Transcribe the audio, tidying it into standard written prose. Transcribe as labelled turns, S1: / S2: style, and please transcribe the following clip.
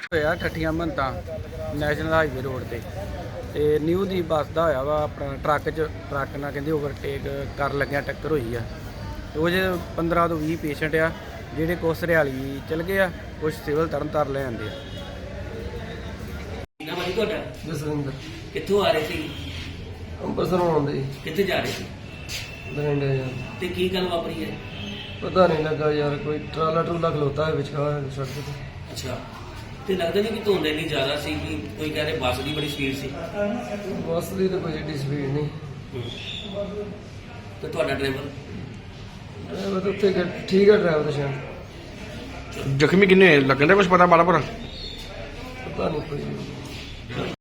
S1: ਹੋਇਆ ਠੱਠੀਆਂ ਮੰਤਾਂ ਨੈਸ਼ਨਲ ਹਾਈਵੇ ਰੋਡ ਤੇ ਨਿਊ ਦੀ ਬੱਸ ਦਾ ਹੋਇਆ ਵਾ ਆਪਣਾ ਟਰੱਕ ਨਾਲ ਕਹਿੰਦੇ ਓਵਰਟੇਕ ਕਰ ਲੱਗਿਆ ਟੱਕਰ ਹੋਈ ਆ। ਉਹ 'ਚ 15 ਤੋਂ 20 ਪੇਸ਼ੈਂਟ ਆ ਜਿਹੜੇ ਕੁਛ ਹਰਿਆਲੀ ਚਲ ਗਏ ਆ, ਕੁਛ ਸਿਵਲ ਤਰਨਤਾਰਨ ਲੈ ਆਂਦੇ ਆ।
S2: ਨਾ ਭਾਜੀ ਤੁਹਾਡਾ
S3: ਜਸਵਿੰਦਰ
S2: ਕਿੱਥੋਂ ਆ ਰਹੇ ਸੀ?
S3: ਅੰਮ੍ਰਿਤਸਰੋਂ ਆਉਂਦੇ
S2: ਕਿੱਥੇ ਜਾ ਰਹੇ ਸੀ?
S3: ਬਰਿੰਡੇ ਯਾਰ
S2: ਤੇ ਕੀ ਗੱਲ ਵਾਪਰੀ ਹੈ?
S3: ਪਤਾ ਨਹੀਂ ਲੱਗਾ ਯਾਰ, ਕੋਈ ਟਰਾਲਾ ਟਰੂਲਾ ਖਲੋਤਾ ਹੈ ਵਿਚਕਾਰ ਸੜਕ ਤੇ।
S2: ਅੱਛਾ, ਤੇ ਲੱਗਦਾ ਨਹੀਂ ਕਿ ਧੁੰਦ ਇੰਨੀ ਜ਼ਿਆਦਾ ਸੀ ਕਿ ਕੋਈ ਕਹਿ ਰਹੇ ਬੱਸ ਦੀ ਬੜੀ ਸਪੀਡ ਸੀ।
S3: ਬੱਸ ਦੀ ਤਾਂ ਕੋਈ ਏਡੀ ਸਪੀਡ ਨਹੀਂ।
S2: ਤੇ ਤੁਹਾਡਾ ਡਰਾਈਵਰ
S3: ਡਰਾਈਵਰ ਤਾਂ ਉੱਥੇ ਠੀਕ ਹੈ, ਡਰਾਈਵਰ ਤਾਂ ਸ਼ਾਇਦ
S4: ਜ਼ਖਮੀ ਕਿੰਨੇ ਹੋਏ? ਲੱਗਣ ਦਾ ਕੁਝ ਪਤਾ ਮਾੜਾ ਭਰਾ?
S3: ਪਤਾ ਨਹੀਂ ਕੋਈ।